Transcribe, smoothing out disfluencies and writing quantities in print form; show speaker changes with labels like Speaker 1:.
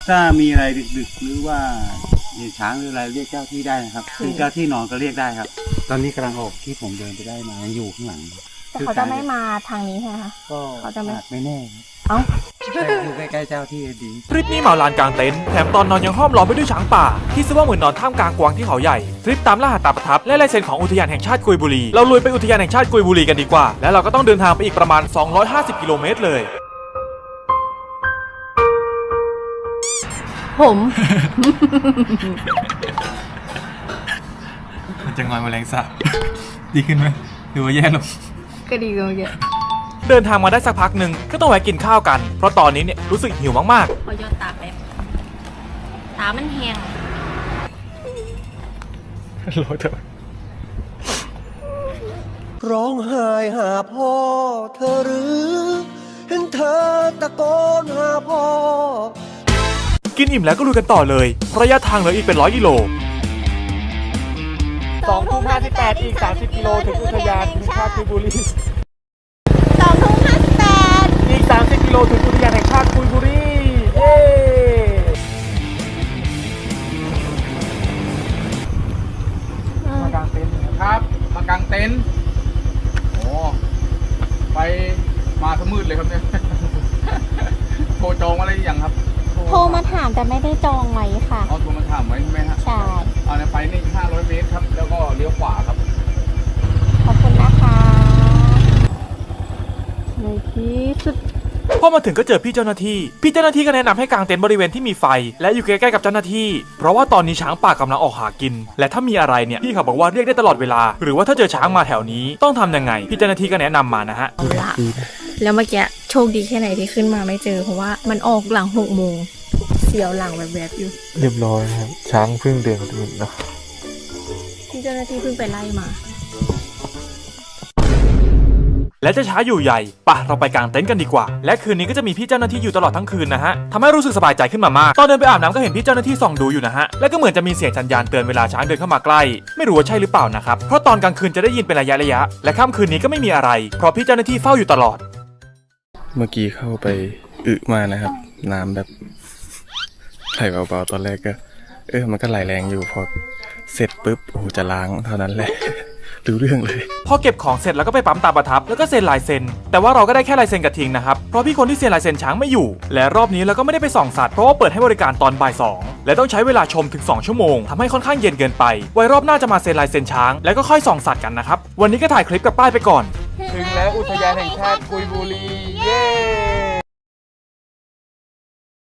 Speaker 1: ถ้ามีอะไรดึกๆหรือว่าเห็นช้างหรืออะไรเรียกเจ้าที่ได้นะครับคือเจ้าที่นอนก็เรียกได้ครับตอนนี้กำลังออกที่ผมเดินไปได้มายังอยู่ข้างหลัง
Speaker 2: แต่เขาจะไม่มาทางนี้ใช่ไหมคะ
Speaker 1: ก็
Speaker 2: เขาจะไม่
Speaker 1: อาจไม่แน่ครับ
Speaker 2: เอ้า
Speaker 1: แต่อยู่ใกล้ๆเจ้าที่ดี
Speaker 3: ทริปนี้เหมาลานกลางเต็นท์แถมตอนนอนยังห้อมล้อมไปด้วยช้างป่าที่ซึ่งว่าเหมือนนอนท่ามกลางกวางที่เขาใหญ่ทริปตามล่าหาตาประทับและลายเซ็นของอุทยานแห่งชาติกุยบุรีเราลุยไปอุทยานแห่งชาติกุยบุรีกันดีกว่าและเราก็ต้องเดินทางไปอีกประมาณ250กิโลเมตรเลย
Speaker 2: ผม
Speaker 3: มันจะงอยแมลงสาบ ดีขึ้นไหมหรือว่าแย่ลง
Speaker 2: ก็ดีกันเยอะ
Speaker 3: เดินทางมาได้สักพักหนึ่งก็ต้องแวะกินข้าวกันเพราะตอนนี้เนี่ยรู้สึกหิวมาก
Speaker 2: พอยอดตาแป๊บตามันแห้ง
Speaker 3: ๆรอเถอะ
Speaker 4: ร้องไห้หาพ่อเธอหรือเห็นเธอตะโกนหาพ่อ
Speaker 3: กินอิ่มแล้วก็ลุยกันต่อเลยระยะทางเหลืออีกเป็น100 กิโล
Speaker 5: 2:58 อีก 30 กิโลถึงอุทยานแห่งชาติกุยบุรี
Speaker 2: 2:58
Speaker 5: อีก 30 กิโลถึงอุทยานแห่งชาติกุยบุรี เย้ มากางเต็นท์ครับ มากางเต็นท์โอ้ไปมาสมืดเลยครับเนี่ย โทรจองอะไรอย่างครับ
Speaker 2: โทรมาถามแต่ไม่ได้จองไว้ค่ะ
Speaker 5: เอาโทรมาถามไว้ใช่ไหมฮะ
Speaker 2: ใช่
Speaker 5: เอาเนี่ยไปนี่500 เมตรครับ แล้วก็เลี้ยวขวาครับ
Speaker 2: ขอบคุณนะคะในที่สุด
Speaker 3: พอมาถึงก็เจอพี่เจ้าหน้าที่ก็แนะนำให้กางเต็นท์บริเวณที่มีไฟและอยู่ใกล้ๆกับเจ้าหน้าที่เพราะว่าตอนนี้ช้างป่ากำลังออกหากินและถ้ามีอะไรเนี่ยพี่เขาบอกว่าเรียกได้ตลอดเวลาหรือว่าถ้าเจอช้างมาแถวนี้ต้องทำยังไงพี่เจ้าหน้าที่ก็แนะนำมานะฮะ
Speaker 2: เอาละแล้วเมื่อกี้โชคดีแค่ไหนที่ขึ้นมาไม่เจอเพราะว่ามันออกหลัง6 โมงเสียวหลังแบบๆอยู่
Speaker 6: เรียบร้อยครับ ช้างเพิ่งเดินตื่นนะ
Speaker 2: ที่เจ้าหน้าที่เพิ่งไปไล่มา
Speaker 3: และจะช้าอยู่ใหญ่ป่ะเราไปกางเต็นท์กันดีกว่าและคืนนี้ก็จะมีพี่เจ้าหน้าที่อยู่ตลอดทั้งคืนนะฮะทำให้รู้สึกสบายใจขึ้นมามากตอนเดินไปอาบน้ำก็เห็นพี่เจ้าหน้าที่ส่องดูอยู่นะฮะและก็เหมือนจะมีเสียงสัญญาณเตือนเวลาช้างเดินเข้ามาใกล้ไม่รู้ว่าใช่หรือเปล่านะครับเพราะตอนกลางคืนจะได้ยินเป็นระยะและค่ำคืนนี้ก็ไม่มีอะไรเพราะพี่เจ้าหน้าที่เฝ้าอยู่ตลอด
Speaker 6: เมื่อกี้เข้าไปอึมานะครับ น้ำแบบไหลเบาๆตอนแรกก็ มันก็ไหลแรงอยู่พอเสร็จปุ๊บโอ้โหจะล้างเท่านั้นแหละ รู้เรื่องเลย
Speaker 3: พอเก็บของเสร็จแล้วก็ไปปั๊มตาประทับแล้วก็เซ็นลายเซ็นแต่ว่าเราก็ได้แค่ลายเซ็นกับทิงนะครับเพราะพี่คนที่เซ็นลายเซ็นช้างไม่อยู่และรอบนี้เราก็ไม่ได้ไปส่องสัตว์เพราะว่าเปิดให้บริการตอนบ่าย 2และต้องใช้เวลาชมถึง2 ชั่วโมงทำให้ค่อนข้างเย็นเกินไปไว้รอบหน้าจะมาเซ็นลายเซ็นช้างแล้วก็ค่อยส่องสัตว์กันนะครับวันนี้ก็ถ่ายคลิปกับป้ายไปก่อน
Speaker 5: ถึงแล้วอุทยานแห่งชาติกุยบุรี เย้